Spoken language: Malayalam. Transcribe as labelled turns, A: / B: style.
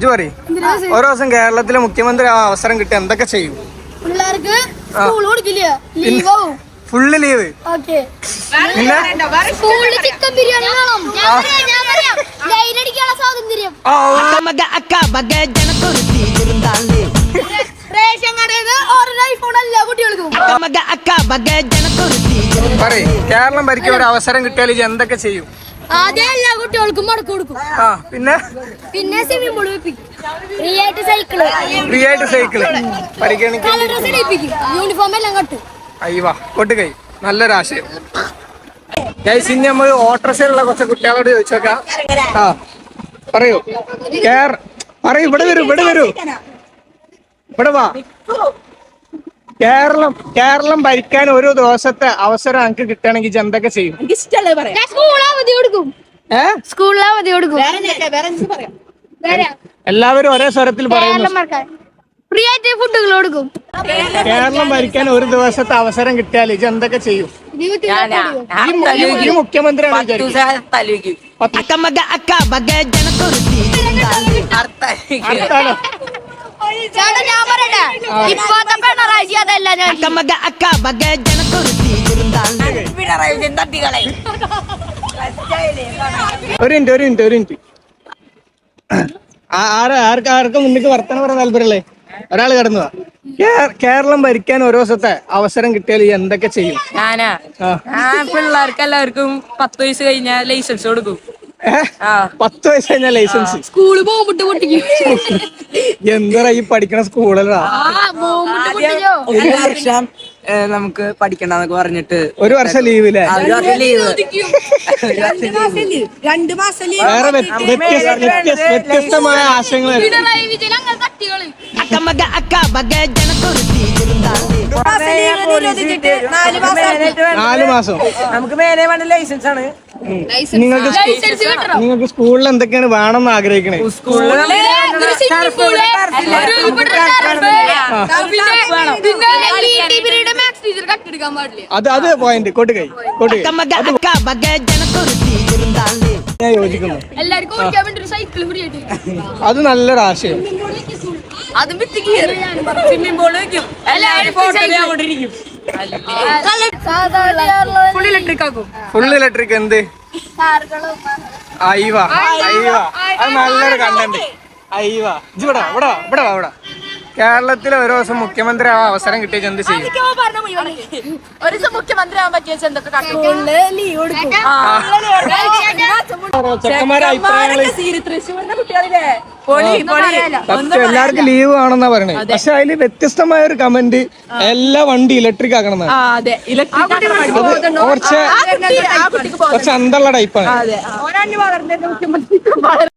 A: ഇജ്ജ് പറയ്, ഓരോ ദിവസം കേരളത്തിലെ മുഖ്യമന്ത്രി ആ അവസരം കിട്ടി എന്തൊക്കെ ചെയ്യും?
B: പിള്ളേർക്ക് സ്കൂൾ കൊടുക്കില്ല, ലീവാവും.
A: Full leave. പിന്നെ
B: സ്കൂളിൽ ചിക്കൻ ബിരിയാണി വേണം. ലൈൻ അടിക്കാനുള്ള സ്വാതന്ത്ര്യം. റേഷൻ കടയിൽ നിന്ന് ഐഫോൺ എല്ലാ കുട്ടികൾക്കും.
A: പറയ്, കേരളം ഭരിക്കാൻ ഒരു അവസരം കിട്ടിയാൽ ഇജ്ജ് എന്തൊക്കെ ചെയ്യും?
B: ആദ്യം എല്ലാ കുട്ടികൾക്കും മടക്ക് കൊടുക്കും.
A: പിന്നെ
B: സ്വിമ്മിംഗ് പൂൾ വെപ്പിക്കും. ഫ്രീ ആയിട്ട് സൈക്കിള് പരിഗണിക്കും. യൂണിഫോം എല്ലാം കട്ടും.
A: അയ്യവാ കൊട്ടുകൈ, നല്ലൊരാശയം. ഇനി നമ്മൾ ഓട്ടോറിക്ഷയിലുള്ള കുറച്ച് കുട്ടികളോട് ചോദിച്ചോക്കാം. പറയൂ, പറയൂ, ഇവിടെ വരൂ, ഇവിടെ വാ. കേരളം ഭരിക്കാൻ ഒരു ദിവസത്തെ അവസരം എനിക്ക് കിട്ടുകയാണെങ്കിൽ എന്തൊക്കെ ചെയ്യും?
B: സ്കൂളിൽ അവധി കൊടുക്കും.
A: എല്ലാവരും ഒരേ സ്വരത്തിൽ പറയുന്നു.
B: ഫ്രീ ആയിട്ട് ഫുഡുകൾ കൊടുക്കും.
A: കേരളം ഭരിക്കാൻ ഒരു ദിവസത്തെ അവസരം കിട്ടിയാൽ ഇത് എന്തൊക്കെ ചെയ്യും? ഈ മുഖ്യമന്ത്രിയാണ്
B: ഞാൻ പറയട്ടെ, ഇപ്പോഴത്തെ പിണറായി അതല്ല.
A: ഒരു മിനിറ്റ് ആർക്കും മുന്നിക്ക് വർത്തനം പറയാൻ താല്പര്യല്ലേ? ഒരാള് കടന്നതാ. കേരളം ഭരിക്കാൻ ഒരു ദിവസത്തെ അവസരം കിട്ടിയാൽ എന്തൊക്കെ ചെയ്യും?
C: പിള്ളേർക്ക് എല്ലാവർക്കും 10 വയസ്സ് കഴിഞ്ഞാൽ ലൈസൻസ് കൊടുക്കും.
A: 10 വയസ്സ് കഴിഞ്ഞാൽ ലൈസൻസ്?
B: സ്കൂളിൽ പോകുമ്പോട്ട് പൊട്ടിക്കും.
A: എന്താ ഈ പഠിക്കണ സ്കൂളല്ല?
C: ഒരു വർഷം നമുക്ക് പഠിക്കണ്ടെന്നൊക്കെ പറഞ്ഞിട്ട്
A: ഒരു വർഷം ലീവില്ലേ?
C: 2 മാസം
A: വേറെ വ്യത്യസ്തമായ ആശയങ്ങൾ. 4 മാസം
C: നമുക്ക് മേലെ വേണ്ട ലൈസൻസ് ആണ്.
A: നിങ്ങൾക്ക് സ്കൂളിൽ എന്തൊക്കെയാണ് വേണമെന്ന് ആഗ്രഹിക്കണേ? അത് പോയിന്റ് കൊട്ടുകൈ. ഞാൻ യോജിക്കുന്നു. അത് നല്ലൊരു ആശയം.
C: സ്വിമ്മിംഗ് പൂൾ വെക്കും, എല്ലാവരും
A: ഫുൾ ഇലക്ട്രിക്. എന്ത് അയ്യവാ, അത് നല്ലൊരു കണ്ടന്റ്. അയ്യവാ, ഇവിടെ കേരളത്തിലെ ഒരു ദിവസം മുഖ്യമന്ത്രി ആ അവസരം കിട്ടിയ എന്ത് ചെയ്യും?
C: ഒരു ദിവസം മുഖ്യമന്ത്രി ആവാൻ പറ്റിയ എന്തൊക്കെ
A: എല്ലാവർക്കും ലീവ് വേണമെന്നാ പറയണേ. പക്ഷെ അതില് വ്യത്യസ്തമായ ഒരു കമന്റ്, എല്ലാ വണ്ടി ഇലക്ട്രിക് ആക്കണം. കുറച്ച് അന്തള്ള ടൈപ്പാണ്.